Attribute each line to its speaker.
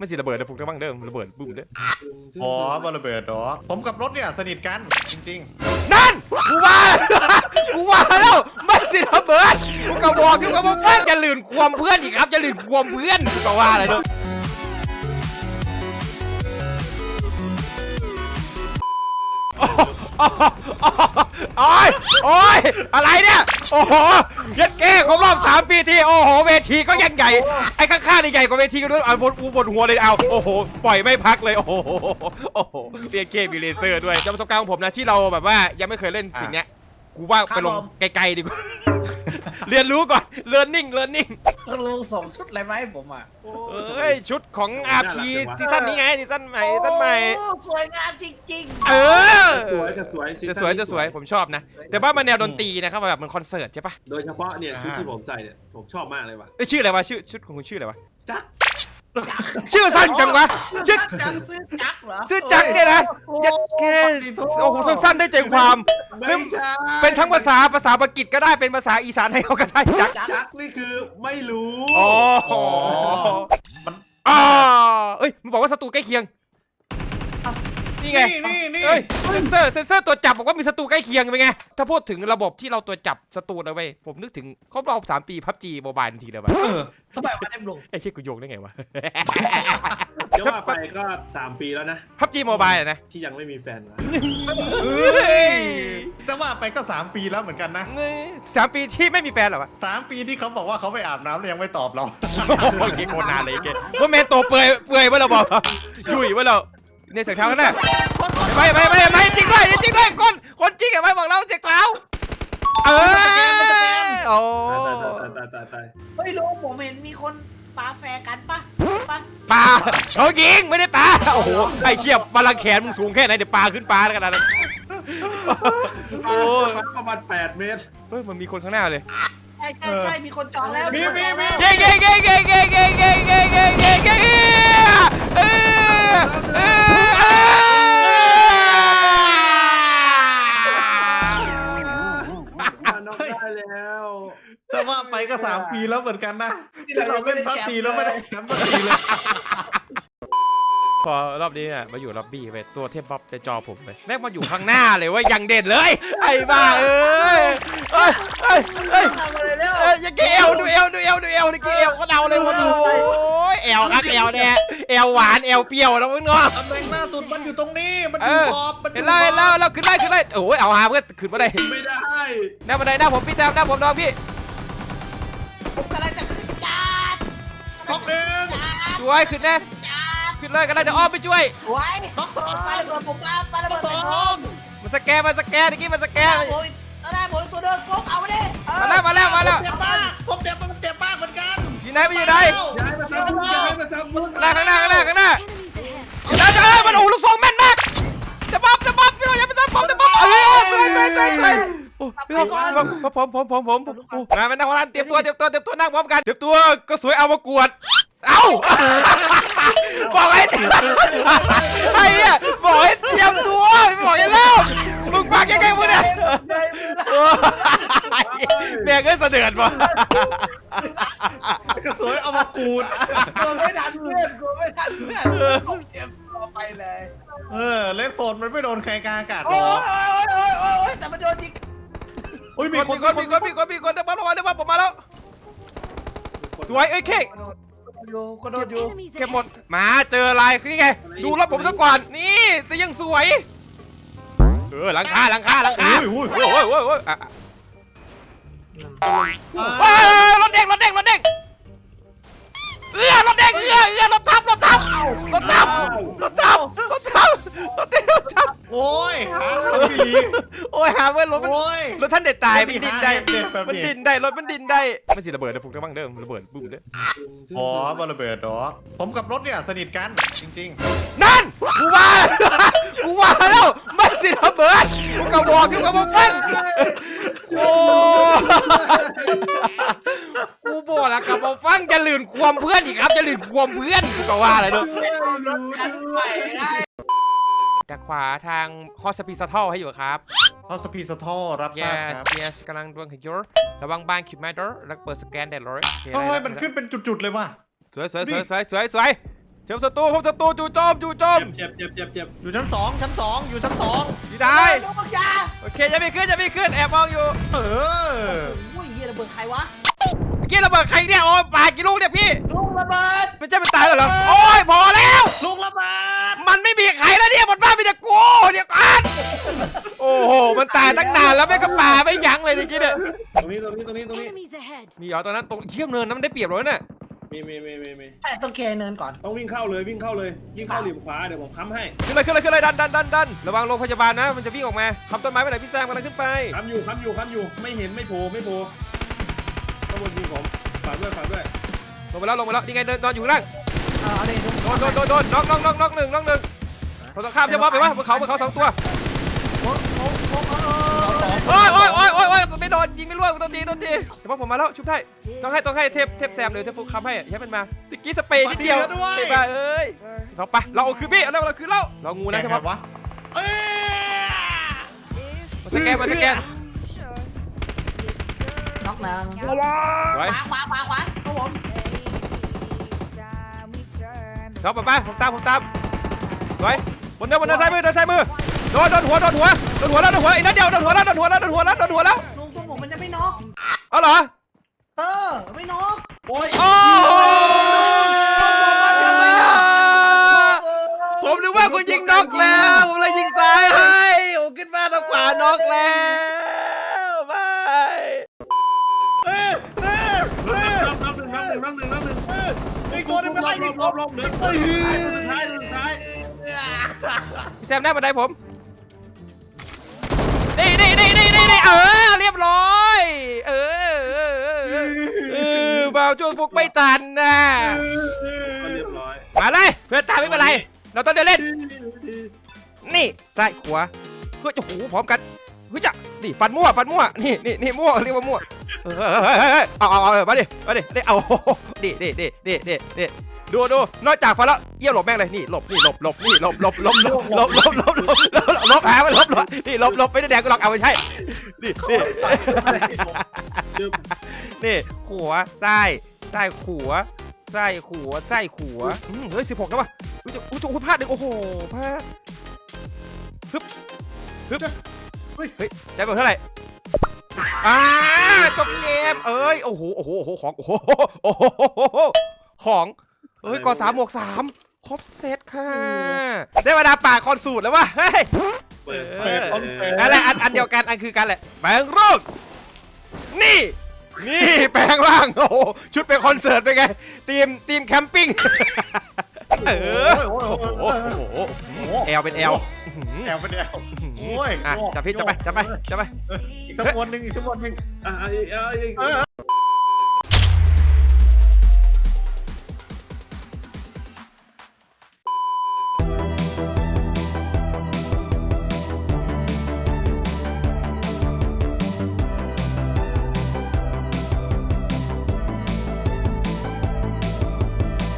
Speaker 1: ไม่สิระเบิดนะฟุกได้บ้างเดิมระเบิดบึ้มเด้อ
Speaker 2: อ๋อบอระเบิดดอกผมกับรถเนี่ยสนิทกันจริง
Speaker 1: นั่นกูว่า กูว่าแล้วไม่สิระเบิดกูก็บอกอยู่กับเพื่อนจะลืนความเพื่อนอีกครับจะลืนความเพื่อนกูก็ว่าอะไรเด้อโอ้ยโอ้ยอะไรเนี่ยโอ้โหยัดเก้ครบรอบ3 ปีทีโอ้โหเวทีก็ยังใหญ่ไอ้ข้างๆนี่ใหญ่กว่าเวทีกันด้วยเอาบนหัวเลยเอาโอ้โหปล่อยไม่พักเลยโอ้โหโอ้โหเรียกเก้มีเลเซอร์ด้วยจากประสบการณ์ของผมนะที่เราแบบว่ายังไม่เคยเล่นสิ่งเนี้ยกูว่าไปลงไกลๆดีกว่าเรียนรู้ก่อนเรียนนิ่ง
Speaker 3: ต้องลงส่งชุดอะไรมาให้ผมอ่ะ
Speaker 1: เฮ้ยชุดของ RP ซีซั่นนี้ไงซีซั่นใหม่
Speaker 3: สวยงามจริง
Speaker 1: เออ
Speaker 4: จะสวย
Speaker 1: ผมชอบนะแต่ว่ามันแนวดนตรีนะครับแบบมันคอนเสิร์ตใช่ปะ
Speaker 4: โดยเฉพาะเนี่ยชุดที่ผมใส่เนี่ยผมชอบมากเลยว่ะ
Speaker 1: ชื่ออะไรวะชุดของคุณชื่ออะไรวะ
Speaker 4: จัก
Speaker 1: ชื่อสั้นจังวะชื่อ
Speaker 3: ซื้อจักเหรอ
Speaker 1: ชื่อจักเนี่ยนะยัดแค่โอ้โหสั้นๆได้ใจความเป็นทั้งภาษาอังกฤษก็ได้เป็นภาษาอีสานให้เขาก็ได้จัก
Speaker 4: นี่คือไม่รู้
Speaker 1: อ๋อมันเอ้ยมันบอกว่าศัตรูใกล้เคียงนี่ไงเอ้ยเซนเซอร์ตัวจับบอกว่ามีศัตรูใกล้เคียงเป็นไงถ้าพูดถึงระบบที่เราตัวจับศัตรูเอาไว้ผมนึกถึงครบรอบ3 ปีPUBG Mobile ทันทีเลยว่ะ
Speaker 3: ทำไมมาเต็มลง
Speaker 1: ไอ้เชี่ยกูโยงได้ไงวะ
Speaker 4: จะว่าไปก็3 ปีแล้วนะ
Speaker 1: PUBG Mobile นะ
Speaker 4: ที่ยังไม่มีแฟนนะ
Speaker 2: แต่ว่าไปก็3 ปีแล้วเหมือนกันนะ
Speaker 1: 3 ปีที่ไม่มีแฟนหรอวะ
Speaker 2: 3 ปีที่เขาบอกว่าเขาไปอาบน้ำแล้วยังไม่ตอบเรา
Speaker 1: โอเคโคตรนานเลยเกศว่าแมนโตเปื่อยว่าเราบอกยุ่ยว่าเราในเสียงเท้ากันนะไม่จริงด้วยคนจริงอะไม่บอกเราเสียงเท้าโอ้
Speaker 4: ตาย
Speaker 3: ไม่รู้ผมเห็นมีคนปาแฟกันปะ
Speaker 1: เขายิงไม่ได้ปาโอ้โหไอ้เชี่ยบาลังแขนมึงสูงแค่ไหนเดี๋ยวปาขึ้นปาแล้วกันนะ
Speaker 4: โอ้ประมาณ8 เมตร
Speaker 1: เฮ้ยมันมีคนข้างหน้าเลย
Speaker 3: ใช่มีคนจองแล้ว
Speaker 1: เก่
Speaker 2: แต่ว่าไปก็3 ปีแล้วเหมือนกันนะที่เราเล่นPUBGแล้วไม่ได้แชมป์สักทีเลย
Speaker 1: พอรอบนี้เนี่ยมาอยู่ล็อบบี้ไปตัวเทพบ๊อบในจอผมเลยแม่งมาอยู่ข้างหน้าเลยว่ายังเด่นเลยไอ้บ้าอย่าเกลดูเอวนี่เกลก็เดาเลยว่าโอ้ยเอวครับเอวเนี่ยเอวหวานเอวเปรี้ยวนะมึงเนาะ
Speaker 2: ตำแหน่งล่าสุดมันอยู่ตรงนี้มันอยู่ขอบ
Speaker 1: เห็นแล้วขึ้นได้โอ้ยเอาหาเพื่อนขึ้นมาได้หน้าบันไดหน้าผมพี่แซมหน้าผมน้องพี่
Speaker 3: ผมกำลังจะขึ้นจัด
Speaker 2: ท็อปหนึ่ง
Speaker 1: ช่วยขึ้นเลยก็ได้จะอ้อมไปช่วย
Speaker 3: ไว้ท็อป2ไปก่อนผมปาระเบิดใส่ผม
Speaker 1: มันสแกนเมื่อกี้มันสแกน
Speaker 3: ได้ผมตัวเดินก๊กเอาไปดิ
Speaker 1: มาแล้ว
Speaker 3: ผมเจ็บมากเหมือนกัน
Speaker 1: อยู่ไหนย้าย
Speaker 4: มาซ้ำ
Speaker 1: ข้างหน้ามันโอ้ลูกซองแม่นมากจะบ๊อบพี่อย่าไปซ้ำผมจะบ๊อบใจผมมาเป็นนักวอลเลย์เตรียมตัวนั่งพร้อมกันเตรียมตัวก็สวยเอามากวดบอกให้ไอ้เนี่ยบอกให้เตรียมตัวบอกให้เล่ามึงฟังยังไงมึงเนี่ยแม่งก็เสด็จว่ะ
Speaker 2: สวยเอามากูด
Speaker 3: กูไม่ทันเพื่อนผมเตรียมตัวไปเลย
Speaker 2: เล่นโซนมันไม่โดนใครกลางอากาศหรอ
Speaker 3: แต่มันโดนจริง
Speaker 1: มีคนแต่มาผมมาแล้วสวยเอ้ยเค้ก
Speaker 3: ก็โดนอยู่
Speaker 1: เก็บหมดมาเจออะไรคือไงดูรถผมซะก่อนนี่จะยังสวยหลังคาโอ้ยรถเด้งรถทับ
Speaker 2: โอ้ยหา
Speaker 1: เว้ยรถท่านเด็ดตายมันดินได้รถมันดินได้ไม่สิระเบิดนะฟุกได้บ้างเดิมระเบิดบึ้มเด้อ
Speaker 2: อ๋อบอระเบิดดอกผมกับรถเนี่ยสนิทกันจริง
Speaker 1: นั่นกูว่าแล้วไม่สิระเบิดกูก็บอกอยู่กับมึงโอ้กูบอกแล้วกับมึงฟังจะลืนความเพื่อนอีกครับจะลืนความเพื่อนกูก็ว่าอะไรเนาะจากขวาทางฮอสปีซัทให้อยู่ครับ
Speaker 2: ฮอสปีซัทรับทราบครับ
Speaker 1: yes กำลังดวงขยร์ระวังบ้านคิดไม่ได้แล้วเปิดสแกนได้เลย
Speaker 2: มันขึ้นเป็นจุดๆเลยว่ะ
Speaker 1: สวยเชื่อมศัตรูพบศัตรูจู่โจมจู่โจม
Speaker 4: เจ็บ
Speaker 2: อยู่ชั้นสองอยู่ชั้นสอง
Speaker 1: ดีได้
Speaker 3: ลูกบักยา
Speaker 1: โอเคจะไม่ขึ้นแอบมองอยู่
Speaker 2: เออ
Speaker 3: โอ้ยเหี้ยระเบิดใครวะ
Speaker 1: เมื่อกี้ระเบิดใครเนี่ยโอ้ปากี่ลูกเนี่ยพี่
Speaker 3: ลูกระเบิด
Speaker 1: ไม่ใช่มันตายแล้วเหรอโอ้ยพอแล้ว
Speaker 2: ลูกระเบิด
Speaker 1: มันไม่มีใครแล้วเนี่ยบนบ้านมีแต่กูเดี๋ยวก่อนโอ้โหมันตายตั้งนานแล้วไม่ก็ป่าไม่ยั้งเลยเมื่อกี้เนี่ย
Speaker 4: ตรงนี้
Speaker 5: Enemies ahead.
Speaker 1: มีเหรอตอนนั้นตรงเขี้ยวเนินนั้นมันได้เปรียบเลยเนี่ย
Speaker 4: มี
Speaker 3: ใช่ต้องเคเนินก่อน
Speaker 4: ต้องวิ่งเข้าเลยวิ่งเข้าหลิมขวาเดี๋ยวผมค้ำให้
Speaker 1: ขึ้นเลยดันระวังโรงพยาบาลนะมันจะวิ่งออกมาคำต้นไม้ไปไหนพี่แซมกำลังขึ้นไป
Speaker 4: ค้ำอยู่ไม่เห็นไม่โผล่ข้างบนยิงผมฝากด้วย
Speaker 1: ลงไปแล้วนี่ไงเดินนอนอยู่ข้างล่าง
Speaker 3: เอาดิ
Speaker 1: โดนน็อกหนึ่งเราต้องข้ามใช่ไหมไปวะบนเขาสองตัวโอ้ยไม่โดนยิงไม่ร่วงต้นทีเฉพาะผมมาแล้วชุบได้ต้องให้เทปแซมเลยเทปฟุกค้ำให้ให้มันมาตะกี้สเปรย์นิดเดียวไอ้บ้าเอ้ยเราไปเราเอาคือพี่เราคือเรางูนะใช่ไหม
Speaker 2: วะเอ้ย
Speaker 1: มาสแกน
Speaker 3: น็อกหนึ่ง
Speaker 1: ไว้
Speaker 3: ขวาครับผม
Speaker 1: เราไปผมตามไว้บนเดินซ้ายมือโดนหัวแล้วอีกนัดเดียวโดนหัวแล้ว
Speaker 3: ลุงตัวผมมันจะไม่น็อก
Speaker 1: เอาเหรอ
Speaker 3: ไม่น็อก
Speaker 2: โอ้ย
Speaker 1: โอ้ผมนึกว่าคุณยิงน็อกแล้วผมเลยยิงซ้ายให้ผมขึ้นมาทางขวาน็อกแล้วไป
Speaker 4: น้องหนึ่ง
Speaker 2: ไอ้โกนเป็นไรนี่
Speaker 4: ลบเดินท้าย
Speaker 1: พี่แซมหน้าบันไดผมนี่เรียบร้อยบ่าวช่วงฟุกไม่ทันนะ
Speaker 4: เรียบร้อย
Speaker 1: มาเลยเพื่อนตามไม่เป็นไรเราต้องเดินเล่นนี่ซ้ายขวาเพื่อจะหูพร้อมกันเฮ้ยจะนี่ฟันมั่วนี่มั่วเรียกว่ามั่วเอามาดิเอาดิดูนอกจากฟันแล้วเยี่ยวหลบแม่งเลยนี่หลบหามันหลบนี่หลบไม่ได้แดงกูหรอกเอาไม่ใช่นี่ขวาซ้ายขวาเฮ้ย16แล้ววะอุ้ยพลาดหนึ่งโอ้โหพลาดฮึบเฮ้ยได้เท่าไหร่จบเกมเอ้ยโอ้โหของเฮ้ยก่อ3 บวก 3ครบเซตค่ะได้เวลาป่าคอนสูตรแล้ววะเฮ้ยอะไรอันเดียวกันอันคือกันแหละแปลงร่างนี่แปลงร่างโอ้โหชุดเป็นคอนเสิร์ตเป็นไงทีมแคมปิ้งแอลเป็นแอล
Speaker 2: แอลเป็นแอลโอ้ย
Speaker 1: จับไป
Speaker 2: อีกสักคนหนึ่ง